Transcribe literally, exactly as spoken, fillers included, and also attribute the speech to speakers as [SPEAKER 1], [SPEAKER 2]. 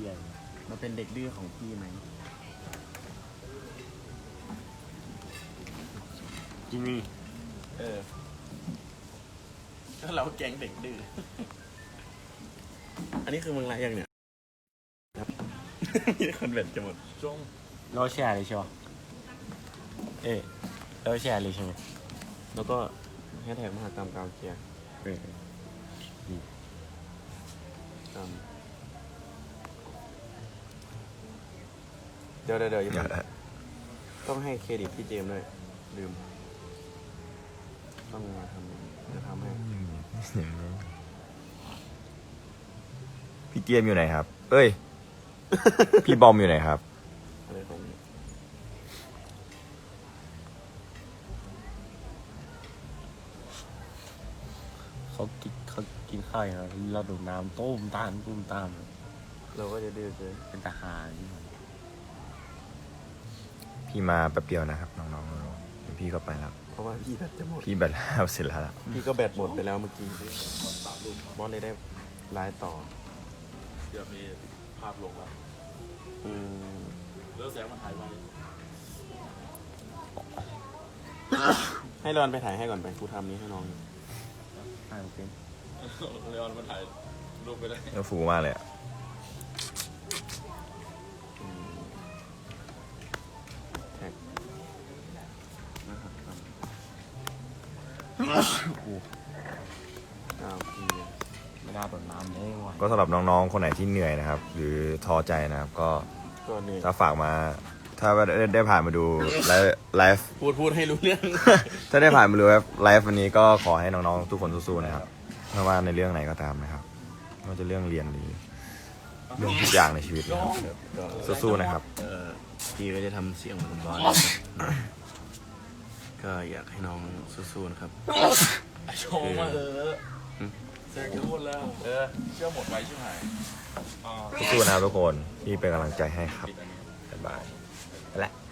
[SPEAKER 1] หี้ยมันเป็นเด็กดื้อของพี่ไหมจินี่
[SPEAKER 2] เออก็เราแก๊งเด็กดื้ออันนี้คือมึงไรยังเนี่ยครับมีคนเบ็ดจะหมดช่วง
[SPEAKER 1] เราแชร์เลยใช่ไหมเอ๊ะเราแชร์เลยใช่ไหม
[SPEAKER 2] แล้วก็แฮชแท็กมหากรรมกาวเกียร์
[SPEAKER 1] เออดี
[SPEAKER 2] ตามเดี๋ยวเดี๋ยวเดี๋ยวต้องให้เครดิตพี่เจมส์ด้วยลืมต้องมาทำจะทำให้
[SPEAKER 3] พี่เกียมอยู่ไหนครับเอ้ย พี่บอมอยู่ไหนครับ
[SPEAKER 2] อะไรของนี้
[SPEAKER 1] เขากินเขากินข้าวแล้วเราดูน้ำต้มตามต้มตาม
[SPEAKER 2] เราก็จะดื้อเกิน
[SPEAKER 1] เป็นทหาร
[SPEAKER 3] พี่มาแป๊บเดียวนะครับน้องๆพี่ก็ไปแล้ว
[SPEAKER 2] เพราะว่าพี่แบตจะหมด
[SPEAKER 3] พี่แบตแล้วเสร็จแล้ว
[SPEAKER 2] พี่ก็แบตหมดไปแล้วเมื่อกี้บอสเลยได้ไลฟ์ต่อ
[SPEAKER 4] เดี๋ยวมีภาพลงแล้ว
[SPEAKER 2] อืม
[SPEAKER 4] เลือกแสงมันถ่ายไว้
[SPEAKER 2] ให้รอนไปถ่ายให้ก่อนไปกูทำนี้ให้น้อง
[SPEAKER 1] ถ่ายเป็น
[SPEAKER 4] เลออนมันถ่ายรูปไปได้
[SPEAKER 3] แล้วฟูมากเลยอ่ะ
[SPEAKER 2] แท็กนะครับอ้าวพี่
[SPEAKER 1] ไม่น่าตกน้ำเลยว่ะ
[SPEAKER 3] ก็สำหรับน้องๆคนไหนที่เหนื่อยนะครับหรือท้อใจนะครับก็ถ้าฝากมาถ้าได้ได้ผ่านมาดูไลฟ์ไลฟ์
[SPEAKER 2] พูดพูดให้รู้เรื่อง
[SPEAKER 3] ถ้าได้ผ่านมาดูไลฟ์วันนี้ก็ขอให้น้องๆทุกคนสู้ๆนะครับไม่ว่าในเรื่องไหนก็ตามนะครับไม่ว่าจะเรื่องเรียนหรือเรื่องทุกอย่างในชีวิตนะครับสู้ๆนะครับ
[SPEAKER 2] พี่ก็จะทำเสียงเหมือนบอสก็อยากให้น้องสู้ๆนะครับ
[SPEAKER 4] โชว์มาเออแซงจะหมดแล้วเออเชื่อหมดไว้ใช่ไหม
[SPEAKER 3] สู้ๆนะครับทุกคนพี่เป็นกำลังใจให้ครับบ๊ายบายและ